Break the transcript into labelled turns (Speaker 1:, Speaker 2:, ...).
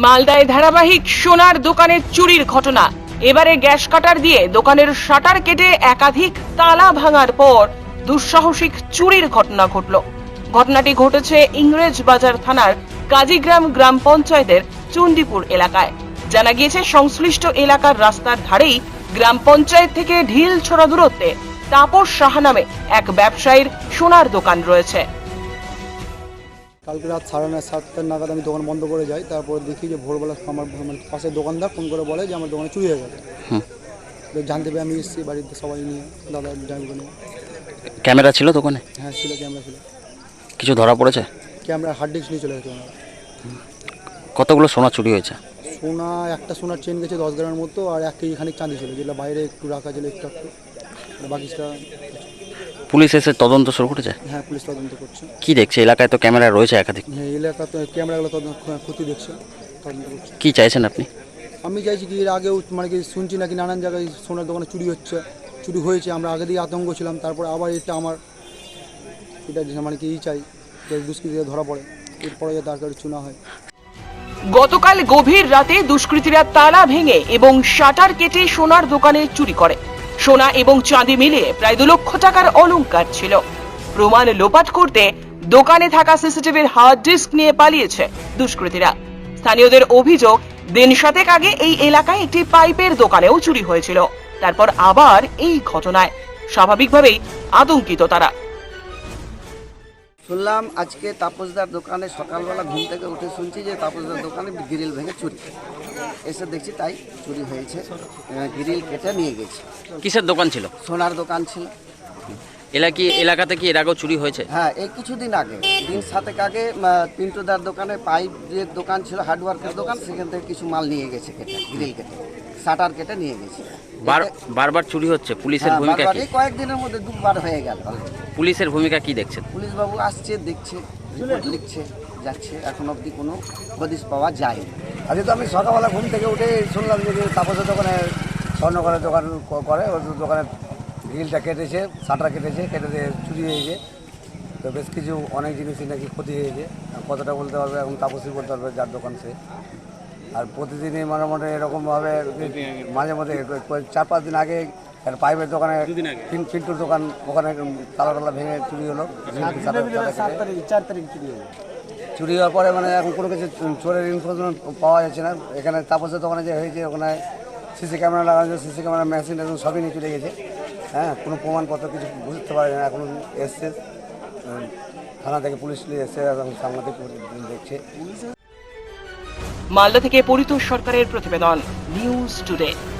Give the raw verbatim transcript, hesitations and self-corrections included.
Speaker 1: মালদায় ধারাবাহিক সোনার দোকানে চুরির ঘটনা। এবারে গ্যাস কাটার দিয়ে দোকানের শাটার কেটে একাধিক তালা ভাঙার পর দুঃসাহসিক চুরির ঘটনা ঘটল। ঘটনাটি ঘটেছে ইংরেজ বাজার থানার কাজীগ্রাম গ্রাম পঞ্চায়েতের চণ্ডীপুর এলাকায়। জানা গিয়েছে, সংশ্লিষ্ট এলাকার রাস্তার ধারেই গ্রাম পঞ্চায়েত থেকে ঢিল ছোড়া দূরত্বে তাপস সাহা নামে এক ব্যবসায়ীর সোনার দোকান রয়েছে।
Speaker 2: কালকে রাত সাড়ে নয় সাতটার নাগাদ আমি দোকান বন্ধ করে যাই। তারপর দেখি যে ভোরবেলা আমার মানে পাশের দোকানদার ফোন করে বলে যে আমার দোকানে চুরি হয়ে গেছে। জানতে পেরে আমি এসেছি বাড়িতে সবাই নিয়ে, দাদা ড্রাইভারকে নিয়ে।
Speaker 3: ক্যামেরা ছিল দোকানে?
Speaker 2: হ্যাঁ ছিল, ক্যামেরা ছিল।
Speaker 3: কিছু ধরা পড়েছে?
Speaker 2: ক্যামেরা হার্ড ডিস্ক নিয়ে চলে গেছে ওনারা।
Speaker 3: কতগুলো সোনা চুরি হয়েছে?
Speaker 2: সোনা একটা সোনার চেন গেছে দশ গ্রামের মতো, আর এক কেজি খানিক চাঁদি ছিল, যেটা বাইরে একটু রাখা ছিল একটু একটু, বাকিটা।
Speaker 3: পুলিশ এসে তদন্ত শুরু করেছে?
Speaker 2: হ্যাঁ, পুলিশ তদন্ত করছে।
Speaker 3: কি দেখছে? এলাকায় তো ক্যামেরা রয়েছে একাধিক।
Speaker 2: হ্যাঁ, এলাকা তো ক্যামেরাগুলো তদন্ত ক্ষতি দেখছে, তদন্ত করছে।
Speaker 3: কি চাইছেন আপনি?
Speaker 2: আমি চাইছি কি, এর আগেও মানে কি শুনছি নাকি নানান জায়গায় সোনার দোকানে চুরি হচ্ছে, চুরি হয়েছে। আমরা আগে দিয়ে আতঙ্ক ছিলাম, তারপর আবার এটা আমার এটা মানে কি চাই যে দুষ্কৃতীরা ধরা পড়ে, এরপরে যাতে আর কারো চুনা হয়।
Speaker 1: গতকাল গভীর রাতে দুষ্কৃতীরা তালা ভেঙে এবং শাটার কেটে সোনার দোকানে চুরি করে। সোনা এবং চাঁদি মিলিয়ে প্রায় দু লক্ষ টাকার অলংকার ছিল। প্রমাণ লোপাট করতে দোকানে থাকা সিসিটিভির হার্ড ডিস্ক নিয়ে পালিয়েছে দুষ্কৃতীরা। স্থানীয়দের অভিযোগ, দিন সাতেক আগে এই এলাকায় একটি পাইপের দোকানেও চুরি হয়েছিল। তারপর আবার এই ঘটনায় স্বাভাবিকভাবেই আতঙ্কিত তারা।
Speaker 4: শুনলাম আজকে তাপসদার দোকানে সকালবেলা ঘুম থেকে উঠে শুনছি যে তাপসদার দোকানে গ্রিল ভেঙে চুরি। এসে দেখছি তাই চুরি হয়েছে, গ্রিল কেটে নিয়ে গেছে।
Speaker 3: কিসের দোকান ছিল?
Speaker 4: সোনার দোকান ছিল।
Speaker 3: এলাকি এলাকাতে কি এর আগেও চুরি হয়েছে?
Speaker 4: হ্যাঁ, এই কিছুদিন আগে, দিন সাতেক আগে পিন্টুদার দোকানে পাইপের দোকান ছিল, হার্ডওয়ার্কের দোকান, সেখান থেকে কিছু মাল নিয়ে গেছে কেটে, গ্রিল কেটে, শাটার কেটে নিয়ে গেছে।
Speaker 3: বারবার চুরি হচ্ছে, পুলিশের ভূমিকা কি?
Speaker 4: এই কয়েকদিনের মধ্যে দুবার হয়ে গেল।
Speaker 3: পুলিশের ভূমিকা কি দেখছেন?
Speaker 4: পুলিশ বাবু আসছে, দেখছে, রিপোর্ট লিখছে, যাচ্ছে, এখন অবধি কোনো হদিশ পাওয়া যায়নি।
Speaker 5: আজকে তো আমি সকালবেলা ঘুম থেকে উঠে শুনলাম যে তাপসের দোকানে স্বর্ণকরের দোকান করে, ওর দোকানে গ্রিলটা কেটেছে, শাটার কেটেছে, কেটে দিয়ে চুরি হয়েছে। তো বেশ কিছু অনেক জিনিসই নাকি ক্ষতি হয়েছে। কতটা বলতে পারবে এখন তাপসই বলতে পারবে, যার দোকান সে। আর প্রতিদিনই মোটামুটি এরকমভাবে মাঝে মাঝে চার পাঁচ দিন আগে একটা পাইপের দোকানে, পিন্টুর দোকান, ওখানে তালা টালা ভেঙে চুরি হলো। চার তারিখ চুরি হলো। চুরি হওয়ার পরে মানে এখন কোনো কিছু চোরের ইনফরমেশন পাওয়া যাচ্ছে না। এখানে তাপসের দোকানে যে হয়েছে, ওখানে সিসি ক্যামেরা লাগানো, সিসি ক্যামেরা মেশিন এখন সবই নিয়ে চলে গেছে। হ্যাঁ, কোনো প্রমাণপত্র কিছু বুঝতে পারে না। এখন এসছে থানা থেকে, পুলিশ এসছে, এবং সাংবাদিক দেখছে।
Speaker 1: মালদা থেকে পরিতোষ সরকারের প্রতিবেদন, নিউজ টুডে।